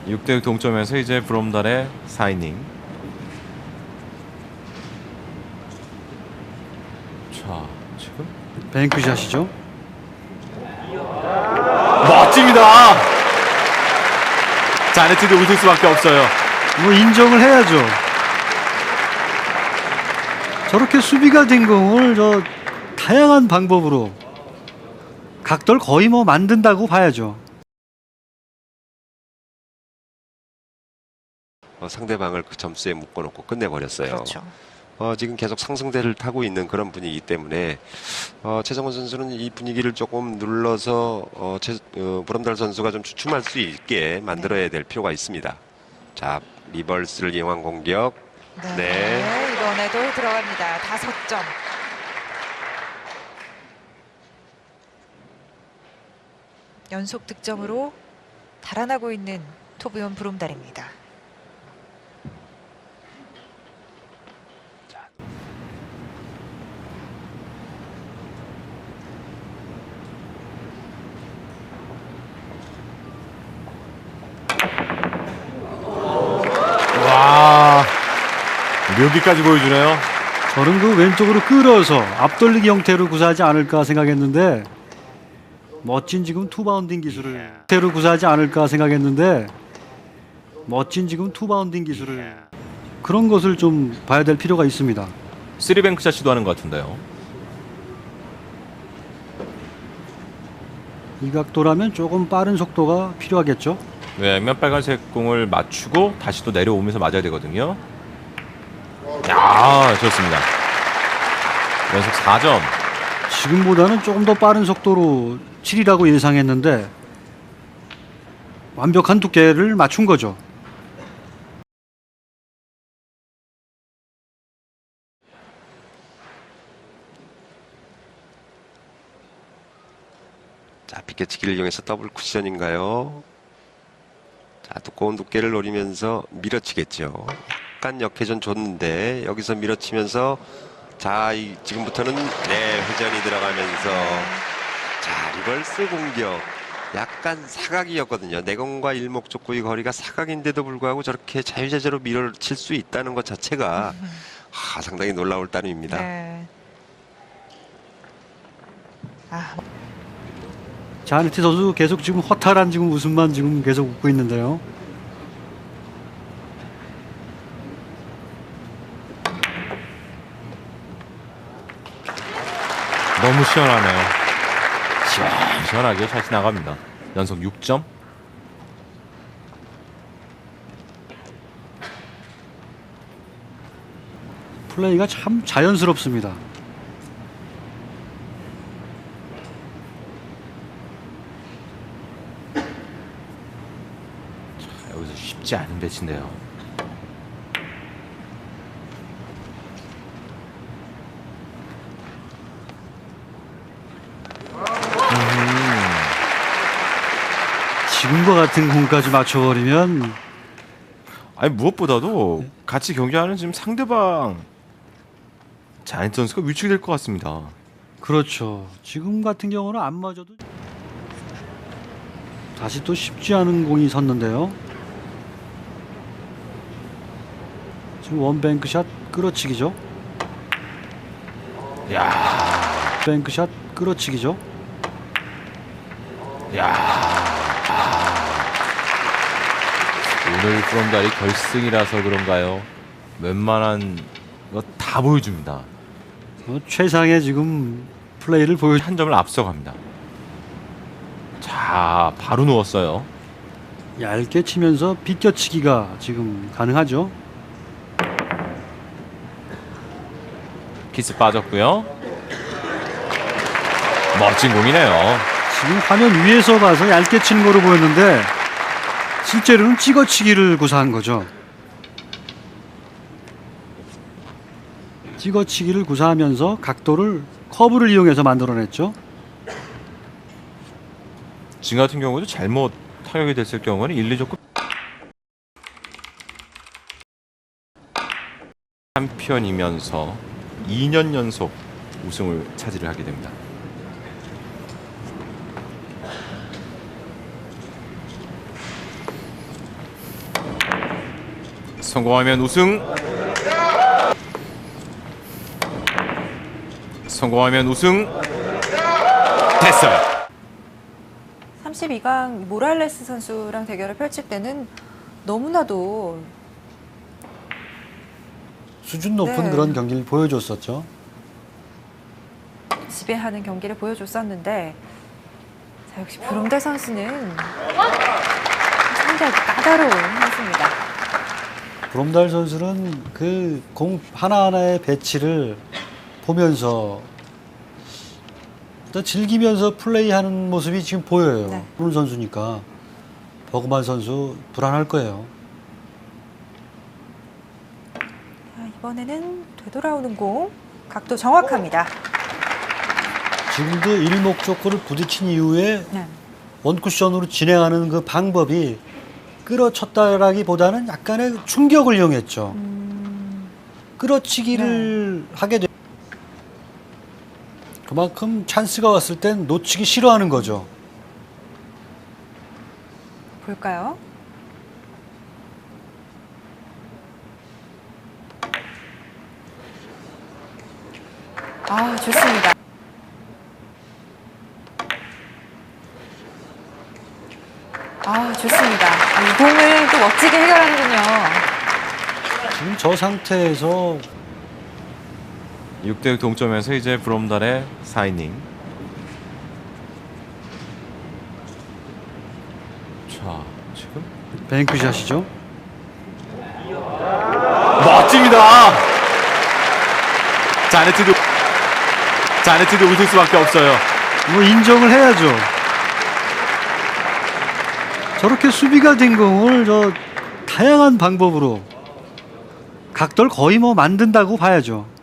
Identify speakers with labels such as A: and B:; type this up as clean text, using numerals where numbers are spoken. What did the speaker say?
A: 6대6 동점에서 이제 브롬달의 4이닝. 자, 지금
B: 뱅크샷이죠.
A: 멋집니다. 자네트도 웃을 수밖에 없어요.
B: 뭐 인정을 해야죠. 저렇게 수비가 된 공을 다양한 방법으로 각도를 거의 뭐 만든다고 봐야죠.
C: 상대방을 그 점수에 묶어놓고 끝내버렸어요.
D: 그렇죠.
C: 지금 계속 상승세를 타고 있는 그런 분위기 때문에 최정원 선수는 이 분위기를 조금 눌러서 브롬달 선수가 좀 주춤할 수 있게 만들어야 될 필요가 있습니다. 자, 리버스를 이용한 공격. 네.
D: 이번에도 들어갑니다. 5점. 연속 득점으로 달아나고 있는 토비온 브롬달입니다.
A: 와, 묘기까지 보여주네요.
B: 저는 그 왼쪽으로 끌어서 앞돌리기 형태로 구사하지 않을까 생각했는데 멋진 지금 투바운딩 기술을 형태로 구사하지 않을까 생각했는데 멋진 지금 투바운딩 기술을 그런 것을 좀 봐야 될 필요가 있습니다.
A: 3뱅크샷 시도하는 것 같은데요.
B: 이 각도라면 조금 빠른 속도가 필요하겠죠.
A: 왜냐면 빨간색 공을 맞추고 다시 또 내려오면서 맞아야 되거든요. 야, 좋습니다. 연속 4점.
B: 지금보다는 조금 더 빠른 속도로 치리라고 예상했는데 완벽한 두께를 맞춘 거죠.
C: 자, 비껴치기를 이용해서 더블 쿠션인가요? 자, 두꺼운 두께를 노리면서 밀어치겠죠. 약간 역회전 줬는데 여기서 밀어치면서 자, 지금부터는 회전이 들어가면서 자, 리버스 공격. 약간 사각이었거든요. 내공과 일목적구의 거리가 사각인데도 불구하고 저렇게 자유자재로 밀어칠 수 있다는 것 자체가 상당히 놀라울 따름입니다.
D: 네.
B: 자네트 선수 계속 지금 허탈한 지금 웃음만 지금 계속 웃고 있는데요.
A: 너무 시원하네요. 시원하게 샷이 나갑니다. 연속 6점.
B: 플레이가 참 자연스럽습니다.
A: 여기서 쉽지 않은 배치인데요.
B: 지금과 같은 공까지 맞춰버리면
A: 아니 무엇보다도 같이 경기하는 지금 상대방 자네트 선수가 위축이 될 것 같습니다.
B: 그렇죠. 지금 같은 경우는 안 맞아도 다시 또 쉽지 않은 공이 섰는데요. 지금 원뱅크샷 끌어치기죠.
A: 야,
B: 뱅크샷 끌어치기죠.
A: 야. 오늘 브롬달이 결승이라서 그런가요? 웬만한 거 다 보여줍니다.
B: 최상의 지금 플레이를 보여.
A: 한 점을 앞서갑니다. 자, 바로 누웠어요.
B: 얇게 치면서 비껴치기가 지금 가능하죠.
A: 키스 빠졌고요. 멋진 공이네요.
B: 지금 화면 위에서 봐서 얇게 치는 거로 보였는데 실제로는 찍어치기를 구사한 거죠. 찍어치기를 구사하면서 각도를 커브를 이용해서 만들어냈죠.
A: 지금 같은 경우도 잘못 타격이 됐을 경우는 1, 2조 급 챔피언이면서 2년 연속 우승을 차지를 하게 됩니다. 성공하면 우승. 성공하면 우승. 됐어요.
E: 32강 모랄레스 선수랑 대결을 펼칠 때는 너무나도
B: 수준 높은
E: 네.
B: 그런 경기를 보여줬었죠.
E: 지배하는 경기를 보여줬었는데 자, 역시 브롬달 선수는 상당히 까다로운 선수입니다.
B: 브롬달 선수는 그 공 하나하나의 배치를 보면서 또 즐기면서 플레이하는 모습이 지금 보여요.
E: 네.
B: 그런 선수니까 버그만 선수 불안할 거예요.
E: 자, 이번에는 되돌아오는 공 각도 정확합니다.
B: 지금도 일목적구를 부딪힌 이후에
E: 네.
B: 원쿠션으로 진행하는 그 방법이 끌어쳤다라기보다는 약간의 충격을 이용했죠. 끌어치기를 하게 돼. 그만큼 찬스가 왔을 땐 놓치기 싫어하는 거죠.
E: 볼까요? 아, 좋습니다. 아, 좋습니다. 이 공을 또 멋지게 해결하는군요.
B: 지금 저 상태에서
A: 6대6 동점에서 이제 브롬달의 4이닝. 자, 지금
B: 뱅크샷이죠.
A: 멋집니다. 자네트도 웃을 수밖에 없어요.
B: 뭐 인정을 해야죠. 저렇게 수비가 된 공을 저 다양한 방법으로 각도를 거의 뭐 만든다고 봐야죠.